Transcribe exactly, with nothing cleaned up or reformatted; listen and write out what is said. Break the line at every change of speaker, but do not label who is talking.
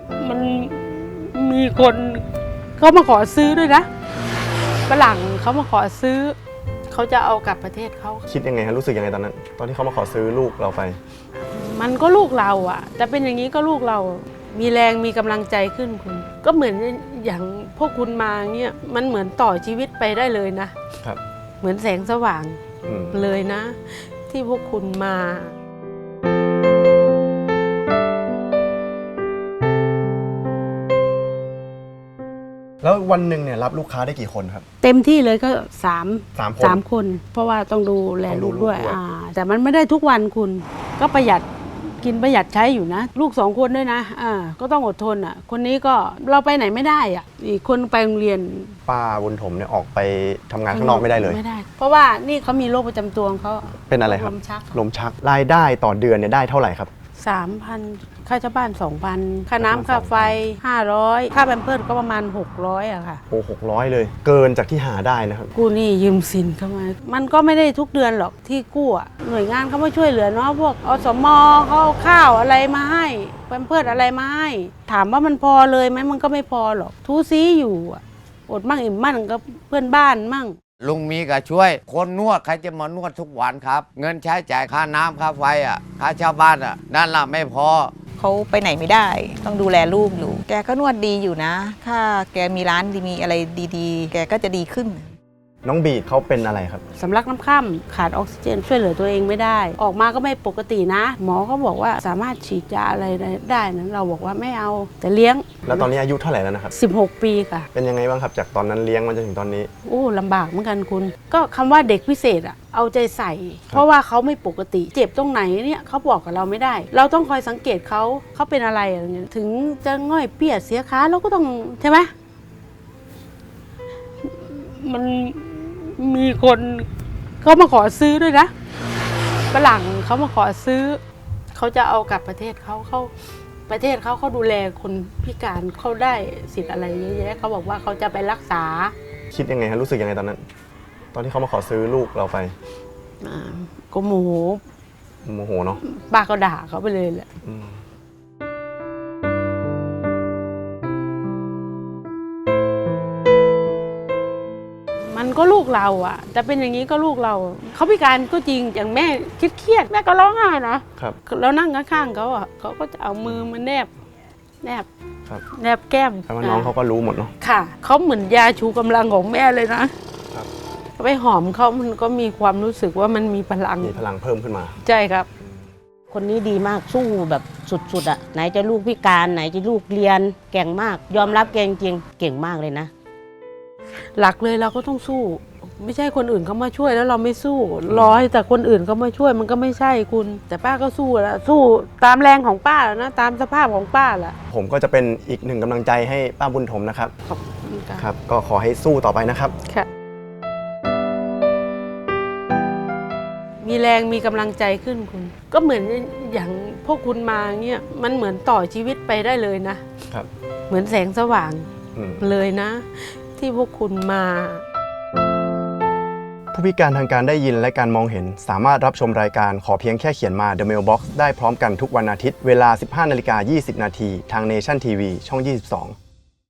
มันมีคนเขามาขอซื้อด้วยนะฝรั่งเขามาขอซื้อเขาจะเอากลับประเทศเขา
คิดยังไงครับรู้สึกยังไงตอนนั้นตอนที่เขามาขอซื้อลูกเราไป
มันก็ลูกเราอ่ะแต่เป็นอย่างนี้ก็ลูกเรามีแรงมีกำลังใจขึ้นคุณก็เหมือนอย่างพวกคุณมาเงี้ยมันเหมือนต่อชีวิตไปได้เลยนะครับเหมือนแสงสว่างเลยนะที่พวกคุณมา
แล้ววันหนึ่งเนี่ยรับลูกค้าได้กี่คนครับ
เต็มที่เลยก็สาม
สามคน
สามคนเพราะว่าต้องดูแลลูกด้วยอ่าแต่มันไม่ได้ทุกวันคุณก็ประหยัดกินประหยัดใช้อยู่นะลูกสองคนด้วยนะอ่าก็ต้องอดทนอ่ะคนนี้ก็เราไปไหนไม่ได้อ่ะอีกคนไปโรงเรียน
ป้าบุญถมเนี่ยออกไปทำงานข้างนอกไม่ได้เลย
ไม่ได้เพราะว่านี่เขามีโรคประจำตัวของเขา
เป็นอะไรครับ
ลมชัก
ลมชักรายได้ต่อเดือนเนี่ยได้เท่าไหร่ครับ
สามพันค่าเช่าบ้านสองพันค่าน้ำค่าไฟห้าร้อยค่าแบมเพิร์สก็ประมาณหกร้อยอะค่ะ
โอ้หกร้อยเลยเกินจากที่หาได้นะครับ
กู้หนี้ยืมสินเข้ามามันก็ไม่ได้ทุกเดือนหรอกที่กู้อะหน่วยงานเขามาช่วยเหลือเนาะพวกอสมเขาเอาข้าวอะไรมาให้แบมเพิร์สอะไรมาให้ถามว่ามันพอเลยไหมมันก็ไม่พอหรอกทูซีอยู่อะอดมั่งอิ่มมั่งกับเพื่อนบ้านมั่ง
ลุงมีก็ช่วยคนนวดใครจะมานวดทุกวันครับเงินใช้จ่ายค่าน้ำค่าไฟอ่ะค่าเช่าบ้านอ่ะนั่นล่ะไม่พอ
เขาไปไหนไม่ได้ต้องดูแลลูกอยู่แกก็นวดดีอยู่นะถ้าแกมีร้านดีมีอะไรดีๆแกก็จะดีขึ้น
น้องบีดเขาเป็นอะไรครับ
สำลักน้ำค่ำขาดออกซิเจนช่วยเหลือตัวเองไม่ได้ออกมาก็ไม่ปกตินะหมอก็บอกว่าสามารถฉีดยาอะไรได้นะเราบอกว่าไม่เอาแต่เลี้ยง
แล้วตอนนี้อายุเท่าไหร่แล้วนะครับ
สิบหกปีค่ะ
เป็นยังไงบ้างครับจากตอนนั้นเลี้ยงมาจนถึงตอนนี้
โอ้ลำบากเหมือนกันคุณก็คำว่าเด็กพิเศษอะเอาใจใส่เพราะว่าเขาไม่ปกติเจ็บตรงไหนเนี่ยเขาบอกกับเราไม่ได้เราต้องคอยสังเกตเขาเขาเป็นอะไรอะไรเงี้ยถึงจะง่อยเปียกเสียขาเราก็ต้องใช่ไหมมันมีคนเขามาขอซื้อด้วยนะฝรั่งเขามาขอซื้อเขาจะเอากลับประเทศเขาเขาประเทศเขาเขาดูแลคนพิการเขาได้สิทธิ์อะไรเยอะแยะเขาบอกว่าเขาจะไปรักษา
คิดยังไงครับรู้สึกยังไงตอนนั้นตอนที่เขามาขอซื้อลูกเราไป
ก็โมโห
โมโหเนาะ
ป้าก็ด่าเขาไปเลยแหละมันก็ลูกเราอ่ะแต่เป็นอย่างนี้ก็ลูกเราเขาพิการก็จริงอย่างแม่เครียดแม่ก็ร้องไห้นะครับแล้วนั่งข้างๆเขาอ่ะเขาก็จะเอามือมาแนบแนบแนบแก้ม
แต่ว่าน้องเขาก็รู้หมดเนาะ
ค่ะเขาเหมือนยาชูกำลังของแม่เลยนะไปหอมเขามันก็มีความรู้สึกว่ามันมีพลัง
มีพลังเพิ่มขึ้นมา
ใช่ครับ
คนนี้ดีมากสู้แบบสุดๆอ่ะไหนจะลูกพิการไหนจะลูกเรียนเก่งมากยอมรับเก่งจริงเก่งมากเลยนะ
หลักเลยเราก็ต้องสู้ไม่ใช่คนอื่นเขามาช่วยแล้วเราไม่สู้รอให้แต่คนอื่นเขามาช่วยมันก็ไม่ใช่คุณแต่ป้าก็สู้แล้วสู้ตามแรงของป้าแล้วนะตามสภาพของป้าแหละ
ผมก็จะเป็นอีกหนึ่งกำลังใจให้ป้าบุญถมนะครับ
ขอบคุณ
ครับก็ขอให้สู้ต่อไปนะครับ
ค่ะมีแรงมีกำลังใจขึ้นคุณก็เหมือนอย่างพวกคุณมาเงี้ยมันเหมือนต่อชีวิตไปได้เลยนะครับเหมือนแสงสว่างเลยนะที่พวกคุณมา
ผู้พิการทางการได้ยินและการมองเห็นสามารถรับชมรายการขอเพียงแค่เขียนมา The Mailbox ได้พร้อมกันทุกวันอาทิตย์เวลา สิบห้านาฬิกายี่สิบนาทีทาง Nation ที วี ช่อง ยี่สิบสอง